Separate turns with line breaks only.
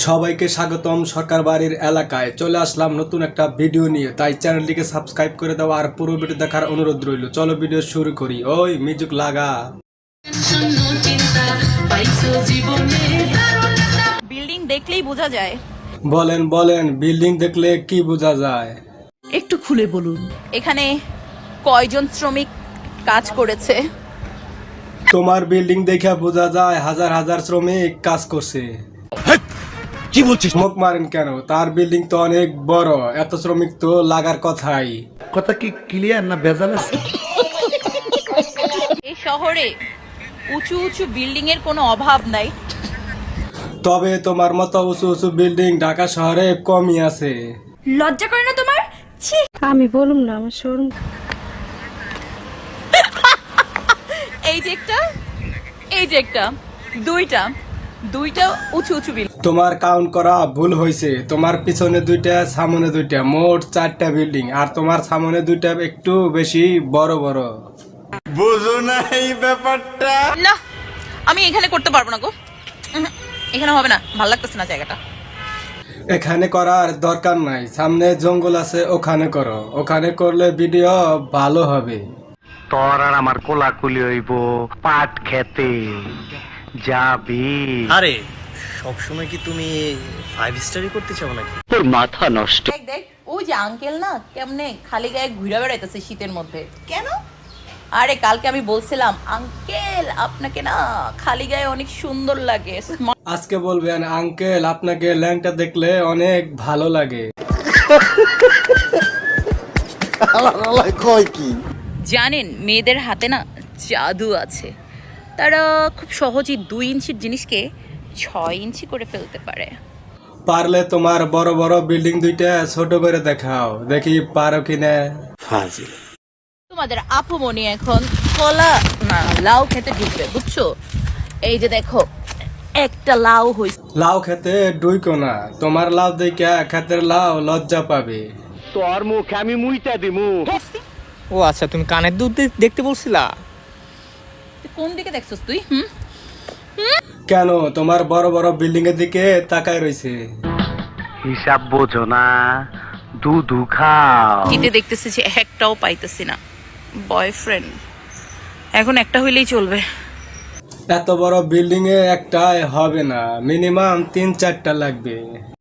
সবাইকে স্বাগতম সরকার বাড়ির এলাকায় চলে আসলাম নতুন একটা ভিডিও নিয়ে। তাই চ্যানেলটিকে সাবস্ক্রাইব করে দাও আর পুরো ভিডিও দেখার অনুরোধ রইল। চলো ভিডিও শুরু করি। ওই মিউজিক লাগা।
বিল্ডিং দেখলেই বোঝা যায়।
বলেন বলেন, বিল্ডিং দেখলে কি বোঝা যায়?
একটু খুলে বলুন।
এখানে কয়জন শ্রমিক কাজ করেছে?
তোমার বিল্ডিং দেখে বোঝা যায় হাজার হাজার শ্রমিক কাজ করছে।
কি বলছিস?
মুখ মারেন কেন? তার বিল্ডিং তো অনেক বড়, এত শ্রমিক তো লাগার কথাই।
কথা কি ক্লিয়ার না ভেজাল আছে?
এই শহরে উঁচু উঁচু বিল্ডিং এর কোনো অভাব নাই।
তবে তোমার মতো উঁচু উঁচু বিল্ডিং ঢাকা শহরে কমই আছে।
লজ্জা করে না তোমার? ছি।
আমি বলুম না, আমার শোরুম।
এই যে একটা, এই যে একটা, দুইটা দুইটা উঁচু উঁচু বিল্ডিং।
তোমার কাউন্ট করা ভুল হয়েছে। তোমার পিছনে দুইটা, সামনে দুইটা, মোট 4টা বিল্ডিং। আর তোমার সামনে দুইটা একটু বেশি বড় বড়।
বুঝো না এই ব্যাপারটা?
না, আমি এখানে করতে পারবো না গো। এখানে হবে না, ভালো লাগতেছে না জায়গাটা।
এখানে করার দরকার নাই, সামনে জঙ্গল আছে, ওখানে করো। ওখানে করলে ভিডিও ভালো হবে।
তোর আর আমার কোলাকুলি হইব পাট খেতে যাবি।
আরে সবসময় কি তুমি 5 স্টারই করতে চাও নাকি?
তোর মাথা নষ্ট।
দেখ দেখ, ওই যে আঙ্কেল না কেমনে খালি গায়ে ঘুরে বেড়াইতেছে শীতের মধ্যে। কেন? আরে কালকে আমি বলছিলাম আঙ্কেল আপনাকে না খালি গায়ে অনেক সুন্দর লাগে।
আজকে বলবেন আঙ্কেল আপনাকে ল্যাংটা দেখলে অনেক ভালো লাগে।
কয় কি?
জানেন মেয়েদের হাতে না জাদু আছে। তারা খুব সহজেই 2 ইঞ্চির জিনিসকে 6 ইঞ্চি করে ফেলতে পারে।
পারলে তোমার বড় বড় বিল্ডিং দুইটা ছোট করে দেখাও, দেখি পারো কিনা।
ফাজিল।
তোমাদের আপু মনি এখন কলা না লাউ খেতে ঢুকবে, বুঝছো? এই যে দেখো একটা লাউ হইছে।
লাউ খেতে ডুইকো না, তোমার লাউ দেখে খেতের লাউ লজ্জা পাবে।
তোর মুখ আমি মুইতা দিমু।
ও আচ্ছা, তুমি কানের দুধ দেখতে বলছিলা?
তুই কোন দিকে দেখছস তুই?
কেন তোমার বড় বড় বিল্ডিং এর দিকে তাকায় রইছে?
হিসাব বোঝো না, দুধু খাও।
জিতে দেখতেছি যে একটাও পাইতেছি না বয়ফ্রেন্ড। এখন একটা হইলেই চলবে।
এত বড় বিল্ডিং এ একটাই হবে না, মিনিমাম 3-4টা লাগবে।